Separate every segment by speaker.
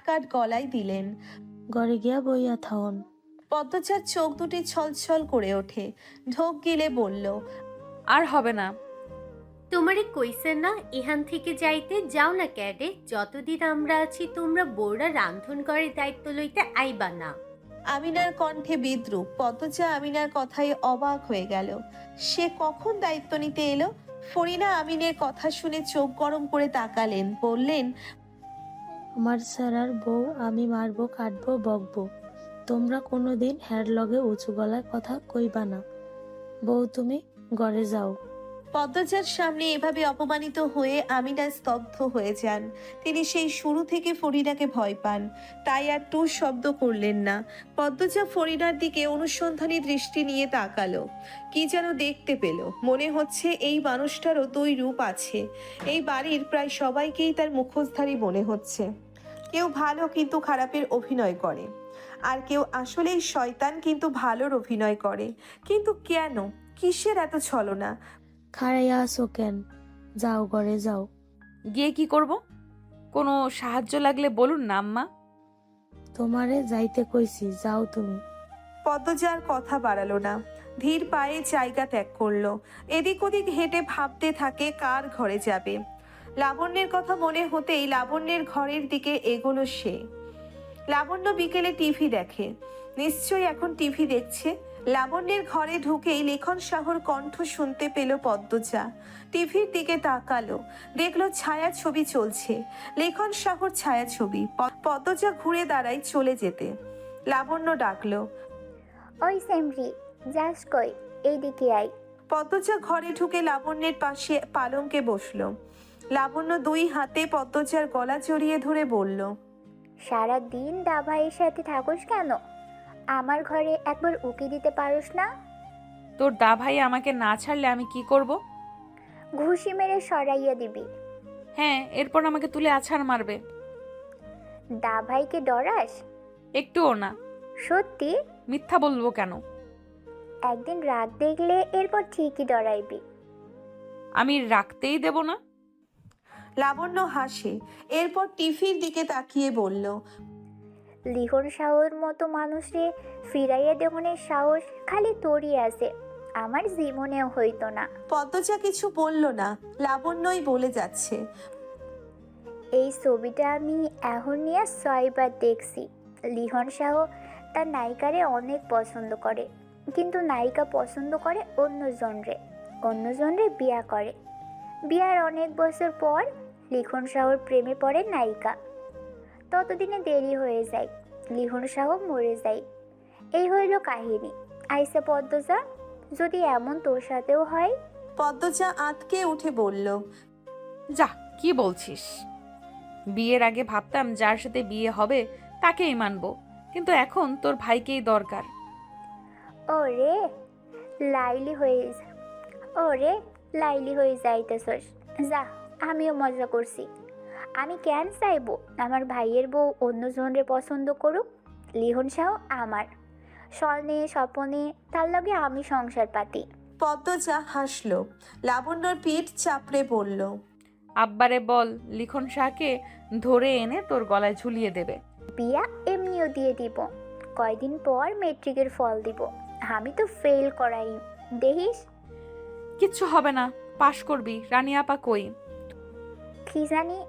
Speaker 1: কাট গলায় দিলেন।
Speaker 2: ঘরে গিয়া বইয়া থাউন।
Speaker 1: পদ্মজার চোখ দুটি ছলছল করে ওঠে, ঢোক গিলে বলল,
Speaker 3: আর হবে না।
Speaker 4: তোমারে কইছে না এখান থেকে যাইতে, যাও না ক্যাডে। যতদিন আমরা আছি তোমরা বউরা রান্ধন করে দায়িত্ব লইতে আইবা না।
Speaker 1: আমিনার কণ্ঠে বিদ্রুপ। পদ্মজা আমিনার কথায় অবাক হয়ে গেল। সে কখন দায়িত্ব নিতে এলো? ফরিনা আমিনের কথা শুনে চোখ গরম করে তাকালেন, বললেন,
Speaker 2: আমার স্যারার বউ আমি মারবো, কাটবো, বকবো। তোমরা কোনোদিন হ্যার লগে উঁচু গলায় কথা কইবা না। বউ তুমি ঘরে যাও।
Speaker 1: পদ্মজার সামনে এভাবে অপমানিত হয়ে আমিনা স্তব্ধ হয়ে যান। তিনি সেই শুরু থেকে ফরিনাকে ভয় পান, তাই আর টু শব্দ করলেন না। পদ্মজা ফরিনার দিকে অনুসন্ধানী দৃষ্টি নিয়ে তাকালো। কি যেন দেখতে পেল। মনে হচ্ছে এই মানুষটারও দুই রূপ আছে। এই বাড়ির প্রায় সবাইকেই তার মুখোশধারী মনে হচ্ছে। কেউ ভালো কিন্তু খারাপের অভিনয় করে, আর কেউ আসলেই শয়তান কিন্তু ভালোর অভিনয় করে। কিন্তু কেন? কিসের এত ছলনা?
Speaker 2: খাড়াইয়া আসো কেন? যাও ঘরে যাও।
Speaker 3: গিয়ে কি করব? কোনো সাহায্য লাগলে বলুন না আম্মা।
Speaker 2: তোমারে যাইতে কইছি, যাও তুমি।
Speaker 1: পদ্মজার কথা বাড়ালো না, ধীর পায়ে জায়গা ত্যাগ করলো। এদিক ওদিক হেঁটে ভাবতে থাকে কার ঘরে যাবে। লাবণ্যের কথা মনে হতেই লাবণ্যের ঘরের দিকে এগোলো সে। লাবণ্য বিকেলে টিভি দেখে, নিশ্চয়ই এখন টিভি দেখছে। লাবণ্যের ঘরে ঢুকেই লেখন সাহর কণ্ঠ শুনতে পেল পদ্মজা। টিভির দিকে তাকালো, দেখলো ছায়া ছবি চলছে, লেখন সাহর ছায়া ছবি। পদ্মজা ঘুরে দাঁড়ায় চলে যেতে। লাবণ্য ডাকলো,
Speaker 5: ওই সেমরি, যাস কই? এইদিকে আই।
Speaker 1: পদ্মজা ঘরে ঢুকে লাবণ্যের পাশে পালঙ্কে বসলো। লাবণ্য দুই হাতে পদ্মজার গলা জড়িয়ে ধরে বলল,
Speaker 5: সারা দিন দাভাইয়ের সাথে থাকোস কেন? আমার ঘরে একবার উকি দিতে পারোস না?
Speaker 3: তোর দা ভাই আমাকে না ছাড়লে আমি কি করব?
Speaker 5: ঘুষি মেরে সরাইয়া দিবি।
Speaker 3: হ্যাঁ, এরপর আমাকে তুলে আছাড় মারবে।
Speaker 5: দাভাইকে ডরাস?
Speaker 3: একটুও না।
Speaker 5: সত্যি?
Speaker 3: মিথ্যা বলবো কেন?
Speaker 5: একদিন রাগ দেখলে এরপর ঠিকই ডরাইবি।
Speaker 3: আমি রাখতেই দেব না।
Speaker 1: লাবণ্য হাসে, এরপর টিভির দিকে তাকিয়ে বলল,
Speaker 5: লিখন সাহর মতো মানুষে ফিরাইয়া দেহনের সাহস খালি তোরই আছে, আমার জীবনেও হইতো না।
Speaker 1: পদ্মজা কিছু বলল না, লাবণ্যই বলে যাচ্ছে,
Speaker 5: এই ছবিটা আমি এখন নিয়ে 6বার দেখছি। লিখন শাহ তার নায়িকারে অনেক পছন্দ করে, কিন্তু নায়িকা পছন্দ করে অন্যজনরে বিয়া করে। বিয়ার অনেক বছর পর লিখন শাহর প্রেমে পড়ে নায়িকা। ততদিনে দেরি হয়ে যায়, লিখন শাহ মরে যায়। এই হইল কাহিনী। আইসা পদ্মজা, যদি এমন তোর সাথেও হয়?
Speaker 1: পদ্মজা আঁতকে উঠে বলল,
Speaker 3: যা, কি বলছিস? বিয়ের আগে ভাবতাম যার সাথে বিয়ে হবে তাকেই মানবো, কিন্তু এখন তোর ভাইকেই দরকার।
Speaker 5: ওরে লাইলি হয়ে ওরে লাইলি হয়ে যাইতেছস। যা, আমিও মজা করছি। আমি কেন চাইবো আমার ভাইয়ের বউ অন্যজনরে পছন্দ করুক? লিখন শাহ আমার স্বর্ণে স্বপনে, তার লগে আমি সংসার পাতি।
Speaker 1: পদ্মজা হাসলো। লাবণ্যর পিঠ চাপড়ে বলল,
Speaker 3: আব্বারে বল লিখন শাহকে ধরে এনে তোর গলায় ঝুলিয়ে দেবে।
Speaker 5: বিয়া এমনিও দিয়ে দিব, কয়দিন পর মেট্রিকের ফল দিব। আমি তো ফেল করাই, দেখিস।
Speaker 3: কিচ্ছু হবে না, পাশ করবি। রানী আপা কই?
Speaker 5: কি জানি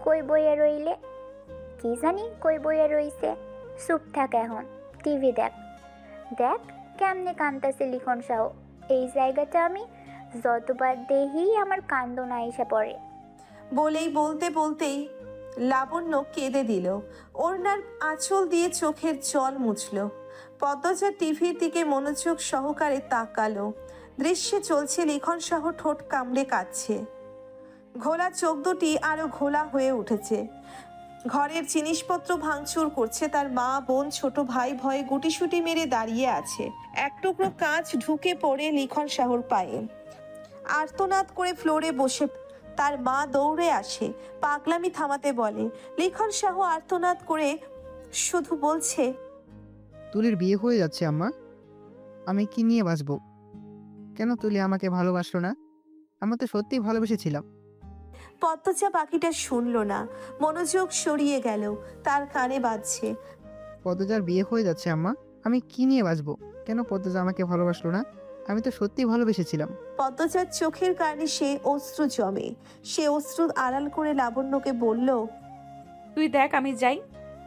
Speaker 5: কই বইয়া রইছে। চুপ থাক এখন, টিভি দেখ। দেখ কেমনে কান্দাছে লিখন শাহ। এই জায়গাটা আমি যতবার দেখি আমার কান্দন আইসা পড়ে।
Speaker 1: বলেই বলতে বলতেই লাবণ্য কেঁদে দিল। ওড়নার আঁচল দিয়ে চোখের জল মুছল। পদ্মজা টিভির দিকে মনোযোগ সহকারে তাকালো। দৃশ্যে চলছে লিখন সহ ঠোঁট কামড়ে কাঁদছে। ঘোলা চোখ দুটি আরো ঘোলা হয়ে উঠেছে। ঘরের জিনিসপত্র ভাঙচুর করছে তার মা, বোন, ছোট ভাই ভয়ে গুটিসুটি মেরে দাঁড়িয়ে আছে। এক টুকরো কাঁচ ঢুকে পড়ে লিখন শাহর পায়ে। আর্তনাদ করে ফ্লোরে বসে তার মা দৌড়ে আসে, পাগলামি থামাতে বলে। লিখন শাহ আর্তনাদ করে শুধু বলছে,
Speaker 6: তুলির বিয়ে হয়ে যাচ্ছে আম্মা, আমি কি নিয়ে বাঁচবো? কেন তুলি আমাকে ভালোবাসলো না? আমরা তো সত্যিই ভালোবেসেছিলাম।
Speaker 1: পদ্মজা বাকিটা শুনল না, মনোযোগ সরিয়ে গেল, তার কানে বাজছে।
Speaker 6: পদ্মজার বিয়ে হয়ে যাচ্ছে আম্মা, আমি কি নিয়ে বাঁচবো? কেন পদ্মজা আমাকে ভালোবাসলো না? আমি তো সত্যিই ভালোবেসেছিলাম।
Speaker 1: পদ্মজার চোখের কানে সে অশ্রু জমে। সে অশ্রু আড়াল করে লাবণ্যকে বলল,
Speaker 3: তুই দেখ, আমি যাই।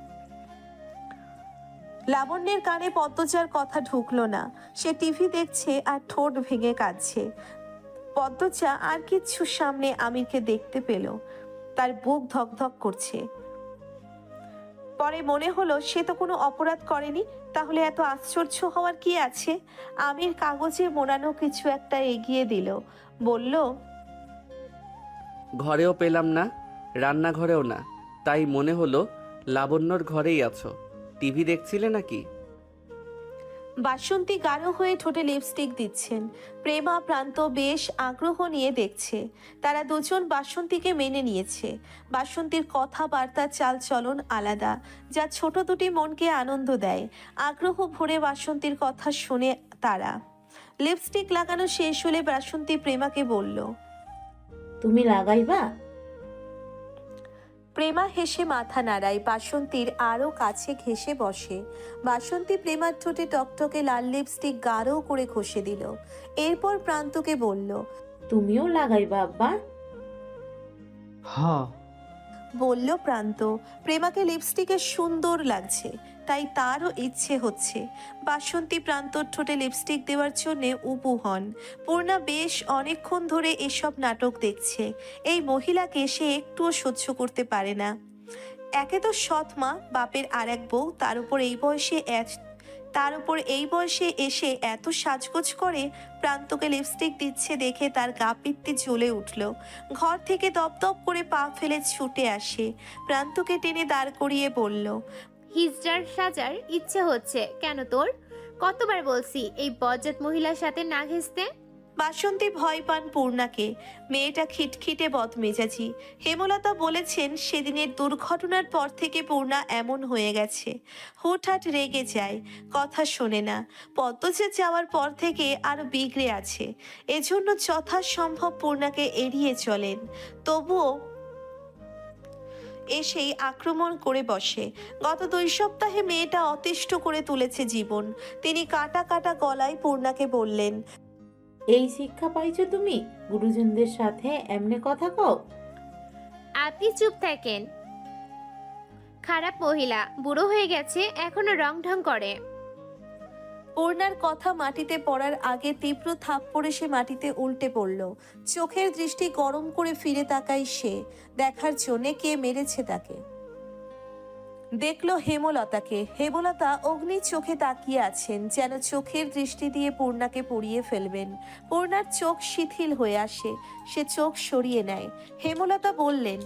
Speaker 1: লাবণ্যের কানে পদ্মজার কথা ঢুকলো না। সে টিভি দেখছে আর ঠোঁট ভেঙে কাঁদছে। পদ্মজা আর কিচ্ছু সামনে আমিরকে দেখতে পেল, তার বুক ধকধক করছে। পরে মনে হলো সে তো কোনো অপরাধ করেনি, তাহলে এত আশ্চর্য হওয়ার কি আছে? আমির কাগজে মোড়ানো কিছু একটা এগিয়ে দিল, বলল,
Speaker 7: ঘরেও পেলাম না, রান্নাঘরেও না, তাই মনে হলো লাবণ্যর ঘরেই আছো। টিভি দেখছিলে নাকি?
Speaker 1: বাসন্তী গাঢ় হয়ে ঠোঁটে লিপস্টিক দিচ্ছেন। প্রেমা প্রান্ত বেশ আগ্রহ নিয়ে দেখছে। তারা দুজন বাসন্তীকে মেনে নিয়েছে। বাসন্তীর কথাবার্তা চালচলন আলাদা, যা ছোট দুটি মনকে আনন্দ দেয়। আগ্রহ ভরে বাসন্তীর কথা শুনে তারা। লিপস্টিক লাগানো শেষ হলে বাসন্তী প্রেমাকে বলল,
Speaker 8: তুমি লাগাইবা?
Speaker 1: প্রেমা হেসে মাথা নাড়ায়। বাসন্তীর আরও কাছে ঘেঁষে বসে। বাসন্তী প্রেমার ঠোঁটে টকটকে লাল লিপস্টিক গাঢ় করে ঘষে দিল। এরপর প্রান্তকে বলল,
Speaker 8: তুমিও লাগাইবা আব্বা?
Speaker 6: হ্যাঁ।
Speaker 1: বলল প্রান্ত। প্রেমাকে লিপস্টিকে সুন্দর লাগছে, তাই তারও ইচ্ছে হচ্ছে। বাসন্তী প্রান্তর ঠোঁটে লিপস্টিক দেওয়ার জন্য উপু হন। পূর্ণা বেশ অনেকক্ষণ ধরে এসব নাটক দেখছে। এই মহিলাকে সে একটুও সহ্য করতে পারে না। একে তো সৎ মা, বাপের আর এক বউ, তার উপর এই বয়সে এসে এত সাজগোজ করে। প্রান্তকে লিপস্টিক দিচ্ছে দেখে তার গা পিত্তি জ্বলে উঠল। ঘর থেকে দপদপ করে পা ফেলে ছুটে আসে। প্রান্তকে টেনে দাঁড় করিয়ে বলল,
Speaker 4: হিজড়ার সাজার ইচ্ছে হচ্ছে কেন তোর? কতবার বলছি এই বজ্জাত মহিলার সাথে না ঘেঁষতে?
Speaker 1: বাসন্তী ভয় পান পূর্ণাকে। মেয়েটা খিটখিটে বদমেজাজি। হেমলতা বলেছেন সেদিনের দুর্ঘটনার পর থেকে পূর্ণা এমন হয়ে গেছে। হুটহাট রেগে যায়, কথা শোনে না। পদ্মজা যাওয়ার পর থেকে আরো বিগড়ে আছে। এজন্য যথাসম্ভব পূর্ণাকে এড়িয়ে চলেন। তবুও এসেই আক্রমণ করে বসে। গত 2 সপ্তাহে মেয়েটা অতিষ্ঠ করে তুলেছে জীবন। তিনি কাটা কাটা গলায় পূর্ণাকে বললেন,
Speaker 8: এই শিক্ষা পাইছো তুমি? গুরুজনদের সাথে এমনি কথা কও?
Speaker 4: আপনি চুপ থাকেন। খারাপ মহিলা, বুড়ো হয়ে গেছে, এখনো রং ঢং করে।
Speaker 1: পূর্ণার কথা মাটিতে পড়ার আগে তীব্র থাপ্পড়ে সে মাটিতে উল্টে পড়ল। চোখের দৃষ্টি গরম করে ফিরে তাকায় সে, দেখার জন্যে কে মেরেছে তাকে। দেখলো হেমলতাকে। হেমলতা অগ্নি চোখে তাকিয়ে আছেন, যেন চোখের দৃষ্টি দিয়ে পূর্ণাকে পুড়িয়ে ফেলবেন। পূর্ণার চোখ শিথিল হয়ে আসে, সে চোখ সরিয়ে নেয়। হেমলতা বললেন,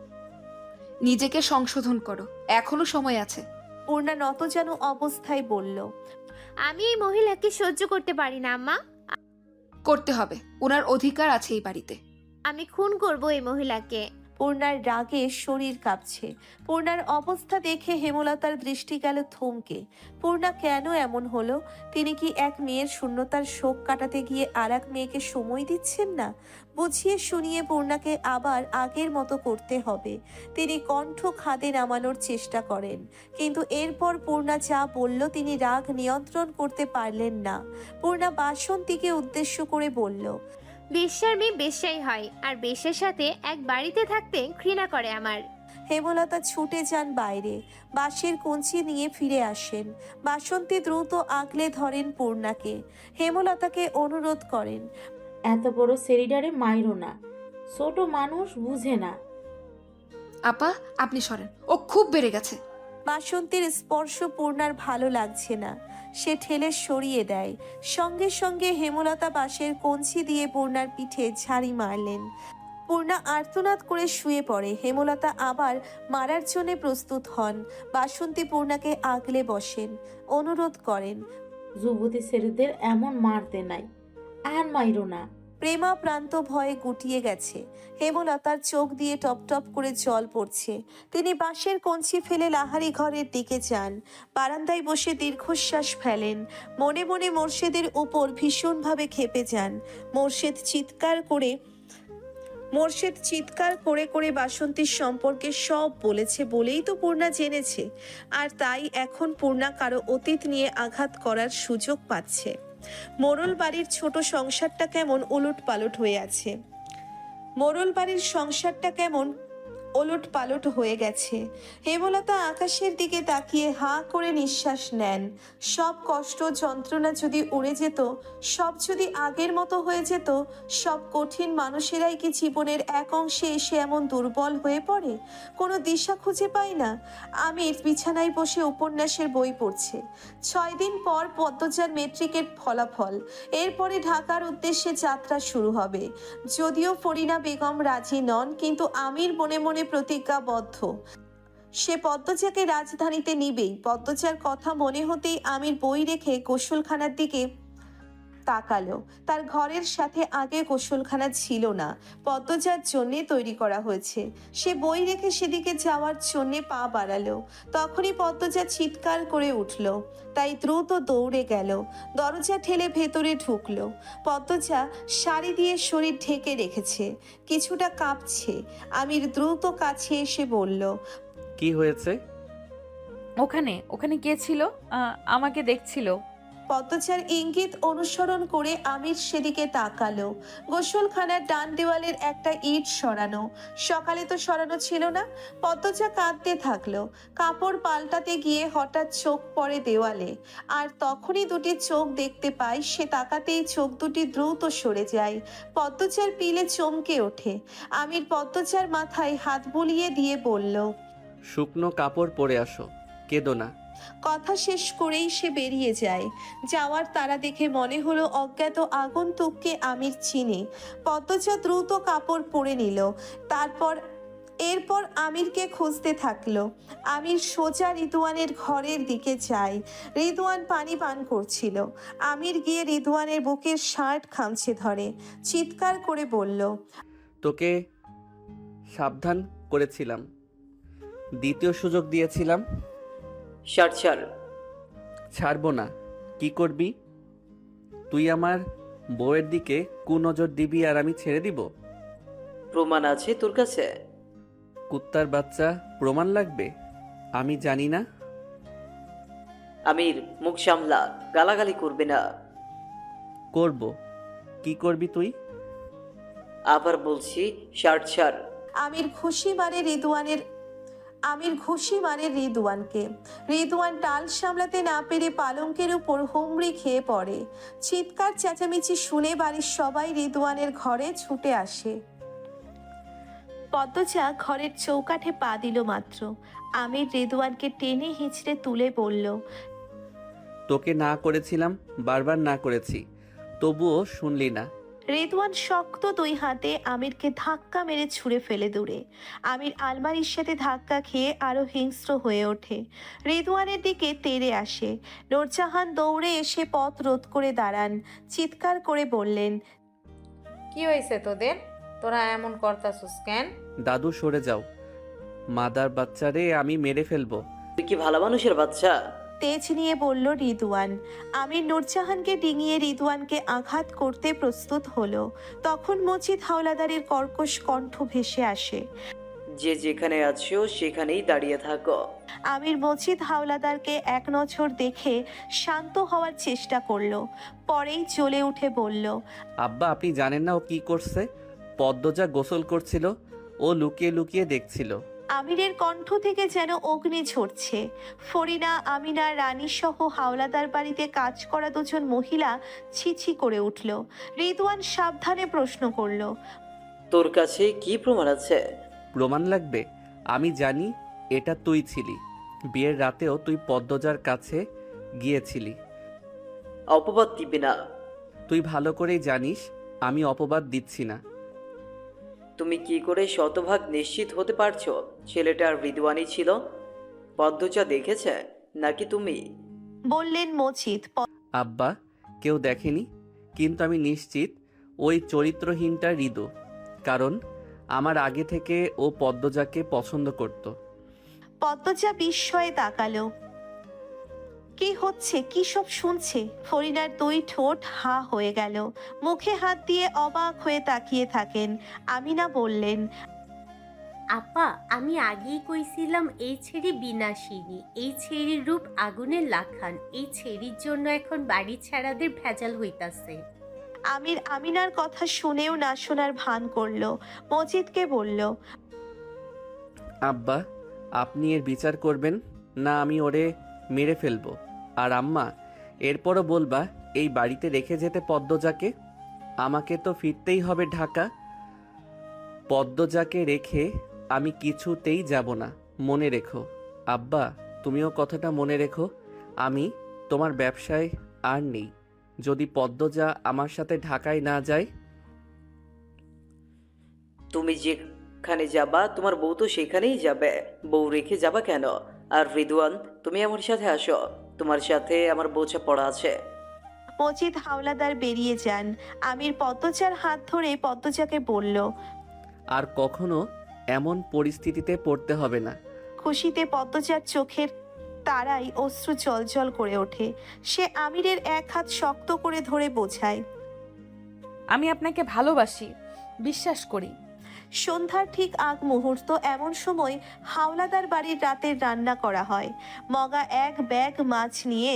Speaker 9: নিজেকে সংশোধন করো, এখনো সময় আছে।
Speaker 1: পূর্ণা নত যেন অবস্থায় বলল,
Speaker 4: আমি এই মহিলাকে সহ্য করতে পারি না আম্মা।
Speaker 9: করতে হবে, ওনার অধিকার আছে এই বাড়িতে।
Speaker 4: আমি খুন করব এই মহিলাকে।
Speaker 1: পূর্ণার রাগে শরীর কাঁপছে। পূর্ণার অবস্থা দেখে হেমলতার দৃষ্টি গেল থমকে। পূর্ণা কেন এমন হলো? তিনি কি এক মেয়ের শূন্যতার শোক কাটাতে গিয়ে আর এক মেয়েকে সময় দিচ্ছেন না? বুঝিয়ে শুনিয়ে পূর্ণাকে আবার আগের মতো করতে হবে। তিনি কণ্ঠ খাদে নামানোর চেষ্টা করেন, কিন্তু এরপর পূর্ণা যা বলল তিনি রাগ নিয়ন্ত্রণ করতে পারলেন না। পূর্ণা বাসন্তীকে উদ্দেশ্য করে বলল,
Speaker 4: বেশ্যার মেয়ে বেশ্যাই হয়, আর বেশ্যার সাথে এক বাড়িতে থাকতে ঘৃণা করে আমার।
Speaker 1: হেমলতা ছুটে যান বাইরে, বাঁশের কঞ্চি নিয়ে ফিরে আসেন। বাসন্তী দ্রুত আগলে ধরেন পূর্ণাকে। হেমলতাকে অনুরোধ করেন,
Speaker 8: এত বড় সেরিডারে মাইরো না, ছোট মানুষ বুঝে না।
Speaker 9: আপা, আপনি সরেন, ও খুব বেড়ে গেছে।
Speaker 1: বাসন্তীর স্পর্শ পূর্ণার ভালো লাগছে না, সে ঠেলে সরিয়ে দেয়। সঙ্গে সঙ্গে হেমলতা বাঁশের কঞ্চি দিয়ে পূর্ণার পিঠে ঝাড়ি মারলেন। পূর্ণা আর্তনাদ করে শুয়ে পড়ে। হেমলতা আবার মারার জন্য প্রস্তুত হন। বাসন্তী পূর্ণাকে আগলে বসেন, অনুরোধ করেন,
Speaker 8: যুবতী ছেলেদের এমন মারতে নাই, আর মাইরো না।
Speaker 1: প্রেমা প্রান্ত ভয়ে গুটিয়ে গেছে। হেমলতার চোখ দিয়ে টপ টপ করে জল পড়ছে। তিনি বাঁশের কঞ্চি ফেলে লাহারি ঘরের দিকে যান। বারান্দায় বসে দীর্ঘশ্বাস ফেলেন। মনে মনে মোর্শেদের উপর ভীষণভাবে ক্ষেপে যান। মোর্শেদ চিৎকার করে মোর্শেদ চিৎকার করে করে বাসন্তীর সম্পর্কে সব বলেছে বলেই তো পূর্ণা জেনেছে, আর তাই এখন পূর্ণা কারো অতীত নিয়ে আঘাত করার সুযোগ পাচ্ছে। মোড়ল বাড়ির ছোট সংসারটা কেমন উলট পালট হয়ে আছে। মোড়ল বাড়ির সংসারটা কেমন ওলট পালট হয়ে গেছে। হেমলতা আকাশের দিকে তাকিয়ে হাঁ করে নিঃশ্বাস নেন। সব কষ্ট যন্ত্রণা যদি উড়ে যেত, সব যদি আগের মতো হয়ে যেত, সব কঠিন মানুষেরাই কি জীবনের এক অংশে এসে এমন দুর্বল হয়ে পড়ে, কোনো দিশা খুঁজে পায় না? আমির বিছানায় বসে উপন্যাসের বই পড়ছে। 6 দিন পর পদ্মজার মেট্রিকের ফলাফল, এরপরে ঢাকার উদ্দেশ্যে যাত্রা শুরু হবে। যদিও ফরিনা বেগম রাজি নন, কিন্তু আমির মনে মনে প্রতিজ্ঞাবদ্ধ, সে পদ্মজাকে রাজধানীতে নিবেই। পদ্মজার কথা মনে হতেই আমির বই রেখে গোসলখানার দিকে তাকালো। তার ঘরের সাথে আগে গোসলখানা ছিল না, পদ্মজার জন্যে তৈরি করা হয়েছে। সে বই রেখে সেদিকে যাওয়ার জন্যে পা বাড়ালো, তখনই পদ্মজা চিৎকার করে উঠল। তাই দ্রুত দৌড়ে গেল, দরজা ঠেলে ভেতরে ঢুকলো। পদ্মজা শাড়ি দিয়ে শরীর ঢেকে রেখেছে, কিছুটা কাঁপছে। আমির দ্রুত কাছে এসে বলল,
Speaker 7: কি হয়েছে?
Speaker 3: ওখানে ওখানে কে ছিল? আমাকে দেখছিল।
Speaker 1: পদ্মজার ইঙ্গিত অনুসরণ করে আমির সেদিকে তাকালো। গোসলখানার ডান দেওয়ালের একটা ইট সরানো, সকালে তো সরানো ছিল না। পদ্মজা কাঁদতে থাকলো। কাপড় পাল্টাতে গিয়ে হঠাৎ চোখ পড়ে দেওয়ালে, আর তখনই দুটি চোখ দেখতে পায়। সে তাকাতেই চোখ দুটি দ্রুত সরে যায়। পদ্মজার পিলে চমকে ওঠে। আমির পদ্মজার মাথায় হাত বুলিয়ে দিয়ে বলল,
Speaker 7: শুকনো কাপড় পরে আসো, কেঁদো না।
Speaker 1: কথা শেষ করেই সে বেরিয়ে যায়। যাওয়ার তারা দেখে মনে হলো অজ্ঞাত আগন্তুককে আমির চিনে। পদ্মজা দ্রুত কাপড় পরে নিল, এরপর আমিরকে খুঁজতে থাকলো। আমির সোজা রিদওয়ানের ঘরের দিকে যায়। রিদওয়ান পানি পান করছিল। আমির গিয়ে রিদওয়ানের বুকের শার্ট খামচে ধরে, চিৎকার করে বলল,
Speaker 7: তোকে সাবধান করেছিলাম, দ্বিতীয় সুযোগ দিয়েছিলাম।
Speaker 10: ছাড়।
Speaker 7: ছাড়বো না। কি করবি তুই? আমার বউয়ের দিকে কুনজর দিবি আর আমি ছেড়ে দিব?
Speaker 10: প্রমাণ আছে তোর কাছে?
Speaker 7: কুত্তার বাচ্চা, প্রমাণ লাগবে? আমি জানি না।
Speaker 10: আমির, মুখ সামলা, গালাগালি করবে না।
Speaker 7: করব। কি করবি তুই?
Speaker 10: আবার বলছি, ছাড়।
Speaker 1: আমির ঘুষি মারে রিদওয়ানকে। রিদওয়ান টাল সামলাতে না পেরে পালঙ্কের উপর হুমড়ি খেয়ে পড়ে। চিৎকার চেঁচামেচি শুনে বাড়ির সবাই রিদওয়ানের ঘরে ছুটে আসে। পদ্মজা ঘরের চৌকাঠে পা দিল মাত্র, আমির রিদওয়ানকে টেনে হিঁচড়ে তুলে বলল,
Speaker 7: তোকে না করেছিলাম, বারবার না করেছি, তবুও শুনলি না।
Speaker 1: রিদওয়ান শক্ত 2 হাতে আমিরকে ধাক্কা মেরে ছুঁড়ে ফেলে দূরে। আমির আলমারির সাথে ধাক্কা খেয়ে আরো হিংস্র হয়ে ওঠে, রিদওয়ানের দিকে তেড়ে আসে। নূরজাহান দৌড়ে এসে পথ রোধ করে দাঁড়ান, চিৎকার করে বললেন,
Speaker 8: কি হয়েছে তোদের? তোরা এমন করতাছিস কেন?
Speaker 7: দাদু সরে যাও, মাদার বাচ্চারে আমি মেরে ফেলবো।
Speaker 10: তুই কি ভালো মানুষের বাচ্চা?
Speaker 1: তেজ নিয়ে বলল রিদওয়ান। আমির নূরজাহানকে ডিঙিয়ে রিদওয়ানকে আঘাত করতে প্রস্তুত হলো। তখন মজিদ হাওলাদারের কর্কশ কণ্ঠ ভেসে আসে,
Speaker 10: যে যেখানে আছো সেখানেই দাঁড়িয়ে থাকো।
Speaker 1: আমির মজিদ হাওলাদারকে এক নজর দেখে শান্ত হওয়ার চেষ্টা করলো, পরেই জ্বলে উঠে বলল,
Speaker 7: আব্বা, আপনি জানেন না ও কি করছে? পদ্মজা গোসল করছিল, ও লুকিয়ে লুকিয়ে দেখছিল।
Speaker 1: আমিরের কণ্ঠ থেকে যেন অগ্নি ঝরছে। ফরিনা, আমিনা, রানী সহ হাওলাদার বাড়িতে কাজ করা 2 জন মহিলা ছিছি করে উঠল। রিদওয়ান সাবধানে প্রশ্ন করল,
Speaker 10: তোর কাছে কি প্রমাণ আছে?
Speaker 7: প্রমাণ লাগবে? আমি জানি এটা তুই ছিলি। বিয়ের রাতেও তুই পদ্মজার কাছে গিয়েছিলি।
Speaker 10: অপবাদ দিবি না।
Speaker 7: তুই ভালো করেই জানিস আমি অপবাদ দিচ্ছি না।
Speaker 10: তুমি কি করে শতভাগ নিশ্চিত হতে পারছো ছেলেটার রিদওয়ানি ছিল? পদ্মজা দেখেছে নাকি তুমি?
Speaker 1: বললেন মজিদ।
Speaker 7: আব্বা, কেউ দেখেনি, কিন্তু আমি নিশ্চিত ওই চরিত্রহীনটা হৃদু, কারণ আমার আগে থেকে ও পদ্মজাকে পছন্দ করত।
Speaker 1: পদ্মজা বিস্ময়ে তাকালো, কি হচ্ছে, কি সব শুনছে? ফরিনার দুই ঠোঁট হা হয়ে গেল, মুখে হাত দিয়ে অবাক হয়ে তাকিয়ে থাকেন। আমিনা বললেন,
Speaker 4: আপা, আমি আগেই কইছিলাম এই ছেড়ি বিনাশিনী, এই ছেড়ির রূপ আগুনের লাখান। এই ছেড়ির জন্য এখন বাড়ি ছাড়াদের ভেজাল হইতাছে।
Speaker 1: আমির আমিনার কথা শুনেও না শোনার ভান করলো। মজিদকে বলল,
Speaker 7: আব্বা, আপনি এর বিচার করবেন না আমি ওরে মেরে ফেলবো? আর আম্মা, এরপরও বলবা এই বাড়িতে রেখে যেতে পদ্মজাকে? আমাকে তো ফিরতেই হবে ঢাকা। পদ্মজাকে রেখে আমি কিছুতেই যাব না, মনে রেখো। আব্বা, তুমিও কথাটা মনে রেখো। আমি তোমার ব্যবসায় আর নেই যদি পদ্মজা আমার সাথে ঢাকায় না যায়।
Speaker 10: তুমি যেখানে যাবা তোমার বউ তো সেখানেই যাবে। বউ রেখে যাবা কেন? আর রিদওয়ান, তুমি আমার সাথে আসো, তোমার সাথে আমার বোঝা পড়া আছে।
Speaker 1: মজিদ হাওলাদার বেরিয়ে যান। আমির পদ্মজার হাত ধরে পদ্মজাকে বলল,
Speaker 7: আর কখনো এমন পরিস্থিতিতে পড়তে হবে না।
Speaker 1: খুশিতে পদ্মজার চোখের তারাই অশ্রু জলজল করে ওঠে। সে আমিরের এক হাত শক্ত করে ধরে বোঝায়,
Speaker 3: আমি আপনাকে ভালোবাসি, বিশ্বাস করি।
Speaker 1: সন্ধ্যার ঠিক আগ মুহূর্ত, এমন সময় হাওলাদার বাড়ির রাতের রান্না করা হয়। মগা এক ব্যাগ মাছ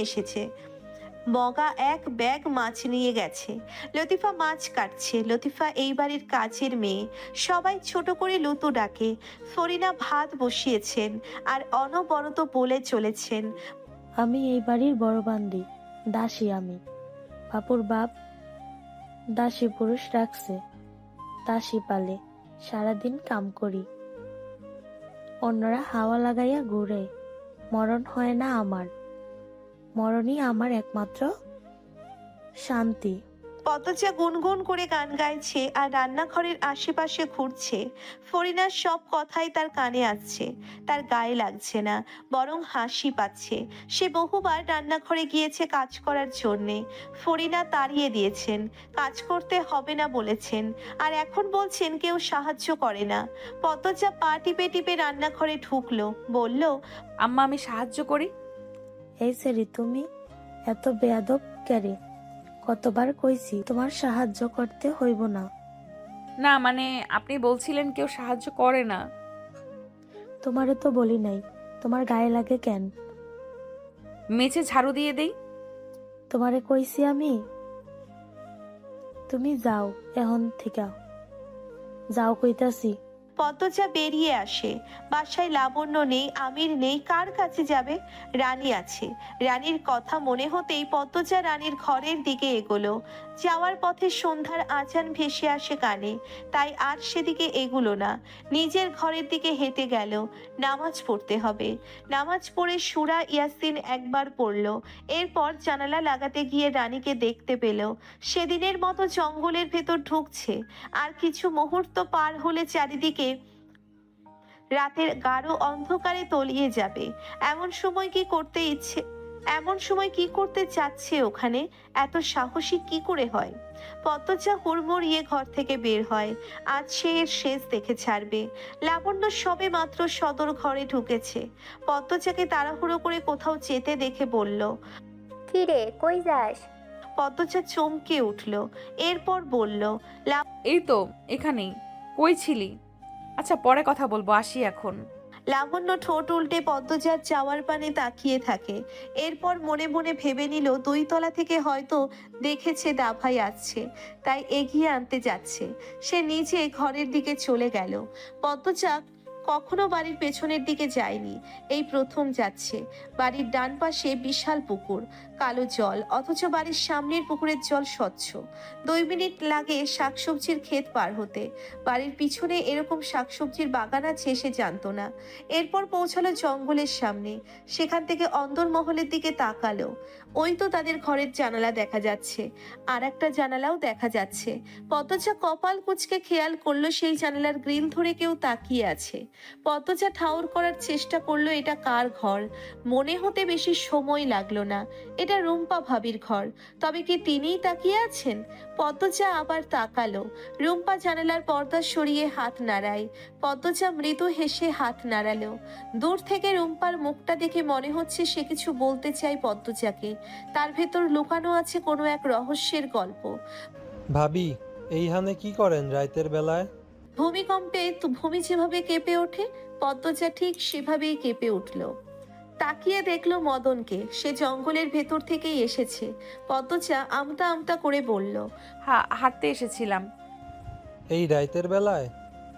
Speaker 1: নিয়ে গেছে। লতিফা মাছ কাটছে। লতিফা এই বাড়ির কাজের মেয়ে, সবাই ছোট করে লুতু ডাকে। ফরিনা ভাত বসিয়েছেন আর অনবরত বলে চলেছেন,
Speaker 2: আমি এই বাড়ির বড় বান্দি, দাসী আমি। বাপুর বাপ দাসী পুরুষ রাখছে, দাসী পালে, সারাদিন কাম করি। অন্যরা হাওয়া লাগাইয়া ঘুরে, মরণ হয় না আমার। মরণই আমার একমাত্র শান্তি।
Speaker 1: পদ্মজা গুনগুন করে গান গাইছে আর রান্নাঘরের আশেপাশে ঘুরছে। ফরিনার সব কথাই তার কানে আসছে, তার গায়ে লাগছে না, বরং হাসি পাচ্ছে। সে বহুবার রান্নাঘরে গিয়েছে কাজ করার জন্যে। ফরিনা তাড়িয়ে দিয়েছেন, কাজ করতে হবে না বলেছেন, আর এখন বলছেন কেউ সাহায্য করে না। পদ্মজা পা টিপে টিপে রান্নাঘরে ঢুকলো, বলল,
Speaker 3: আম্মা, আমি সাহায্য করি।
Speaker 2: এই সেরি, তুমি এত বেয়াদব কেরে? কতবার কইছি তোমার সাহায্য করতে হইব না।
Speaker 3: না মানে, আপনি বলছিলেন কেউ সাহায্য করে না।
Speaker 2: তোমারে তো বলি নাই, তোমার গায়ে লাগে কেন?
Speaker 3: মেঝে ঝাড়ু দিয়ে দেই।
Speaker 2: তোমারে কইছি আমি। তুমি যাও এখন থেকে, যাও কইতাছি।
Speaker 1: পদ্মজা বেরিয়ে আসে। বাসায় লাবণ্য নেই, আমির নেই, কার কাছে যাবে? রানী আছে। রানীর কথা মনে হতেই পদ্মজা রানীর ঘরের দিকে এগোলো। যাওয়ার পথে সন্ধ্যার আজান ভেসে আসে কানে, তাই আর সেদিকে এগুলো না, নিজের ঘরের দিকে হেঁটে গেল। নামাজ পড়তে হবে। নামাজ পড়ে সূরা ইয়াসিন একবার পড়ল। এরপর জানালা লাগাতে গিয়ে রানীকে দেখতে পেল। সেদিনের মতো জঙ্গলের ভেতর ঢুকছে। আর কিছু মুহূর্ত পার হলে চারিদিকে রাতের গাঢ় অন্ধকারে তলিয়ে যাবে। এমন সময় কি করতে চাচ্ছে ওখানে? এত সাহসী কি করে হয়? পদ্মজা হুড়মুড়িয়ে ঘর থেকে বের হয়। আজ সে এর শেষ দেখে ছাড়বে। লাবণ্য সবে মাত্র সদর ঘরে ঢুকেছে। পদ্মজাকে তাড়াহুড়ো করে কোথাও যেতে দেখে বলল,
Speaker 5: কি রে, কই যাস?
Speaker 1: পদ্মজা চমকে উঠল। এরপর বলল,
Speaker 3: এই তো এখানেই। কই ছিলি? আচ্ছা, পরে কথা বলবো, আসি এখন।
Speaker 1: লাবণ্য ঠোঁট উল্টে পদ্মজার চাওয়ার পানে তাকিয়ে থাকে। এরপর মনে মনে ভেবে নিল 2 তলা থেকে হয়তো দেখেছে দাভাই আসছে, তাই এগিয়ে আনতে যাচ্ছে। সে নিজে ঘরের দিকে চলে গেল। পদ্মজা কখনো বাড়ির পেছনের দিকে যায়নি, এই প্রথম যাচ্ছে। বাড়ির ডান পাশে বিশাল পুকুর, কালো জল, অথচ বাড়ির সামনের পুকুরের জল স্বচ্ছ। 2 মিনিট লাগে শাকসবজির ক্ষেত পার হতে। বাড়ির পিছনে এরকম শাকসবজির বাগান আছে সে জানতো না। এরপর পৌঁছালো জঙ্গলের সামনে। সেখান থেকে অন্দরমহলের দিকে তাকালো। ওই তো তাদের ঘরের জানালা দেখা যাচ্ছে, আর একটা জানালাও দেখা যাচ্ছে। পদ্মজা কপাল কুঁচকে খেয়াল করলো সেই জানালার গ্রিল ধরে কেউ তাকিয়ে আছে। পদ্মজা ঠাউর করার চেষ্টা করলো এটা কার ঘর। মনে হতে বেশি সময় লাগলো না, এটা রুম্পা ভাবির ঘর। তবে কি তিনিই তাকিয়ে আছেন? পদ্মজা আবার তাকালো। রুম্পা জানালার পর্দা সরিয়ে হাত নাড়ায়। পদ্মজা মৃদু হেসে হাত নাড়ালো। দূর থেকে রুম্পার মুখটা দেখে মনে হচ্ছে সে কিছু বলতে চায় পদ্মজাকে। তার ভেতর লুকানো আছে কোনো এক রহস্যের গল্প।
Speaker 11: ভাবি, এইখানে কি করেন রাইতের বেলায়?
Speaker 1: ভূমিকম্পে ভূমি যেভাবে কেঁপে ওঠে, পদ্মজা ঠিক সেভাবেই কেঁপে উঠল। তাকিয়ে দেখলো মদনকে। সে জঙ্গলের ভেতর থেকেই এসেছে। পদ্মজা আমতা আমতা করে বলল,
Speaker 3: হাঁটতে এসেছিলাম।
Speaker 11: এই রাইতের বেলায়?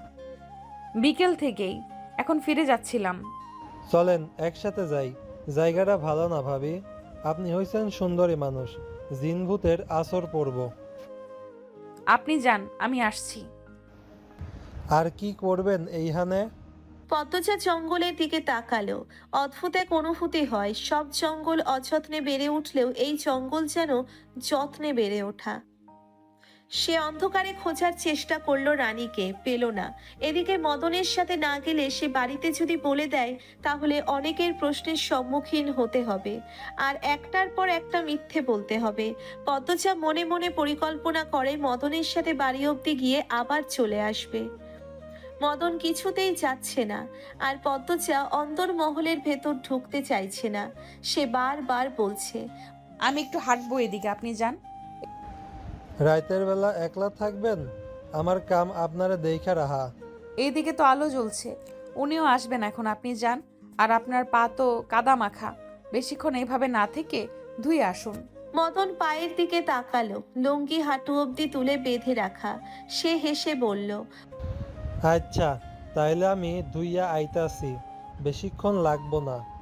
Speaker 3: বিকেল থেকেই, এখন ফিরে যাচ্ছিলাম।
Speaker 11: চলেন একসাথে যাই। জায়গাটা ভালো না ভাবি? আপনি হইছেন সুন্দরী মানুষ, জিন ভূতের আসর পড়ব।
Speaker 3: আপনি যান, আমি আসছি।
Speaker 11: আর কি করবেন এইখানে?
Speaker 1: পদ্মজা জঙ্গলের দিকে তাকালো। অদ্ভুত এক অনুভূতি হয়। সব জঙ্গল অযত্নে বেড়ে উঠলেও এই জঙ্গল যেন যত্নে বেড়ে ওঠা। সে অন্ধকারে খোঁজার চেষ্টা করলো রানীকে, পেল না। এদিকে মদনের সাথে না গেলে সে বাড়িতে যদি বলে দেয় তাহলে অনেকের প্রশ্নের সম্মুখীন হতে হবে, আর একটার পর একটা মিথ্যে বলতে হবে। পদ্মজা মনে মনে পরিকল্পনা করে মদনের সাথে বাড়ি অবধি গিয়ে আবার চলে আসবে। মদন কিছুতেই যাচ্ছে না, আর পদ্মজা অন্দরমহলের ভেতর ঢুকতে চাইছে না। সে বারবার বলছে,
Speaker 3: আমি একটু হাঁটবো, এদিকে আপনি যান।
Speaker 11: রাইতের বেলা একলা থাকবেন? আমার কাম আপনারে দেইখা রাহা।
Speaker 3: এইদিকে তো আলো জ্বলছে, উনিও আসবেন এখন, আপনি যান। আর আপনার পা তো কাদা মাখা, বেশিক্ষণ এইভাবে না থেকে ধুয়ে আসুন।
Speaker 1: মদন পায়ের দিকে তাকালো। লুঙ্গি হাঁটু অবধি তুলে বেঁধে রাখা। সে হেসে বলল,
Speaker 11: আচ্ছা, তাইলে আমি ধুইয়া আইতাছি, বেশিক্ষণ লাগবো না।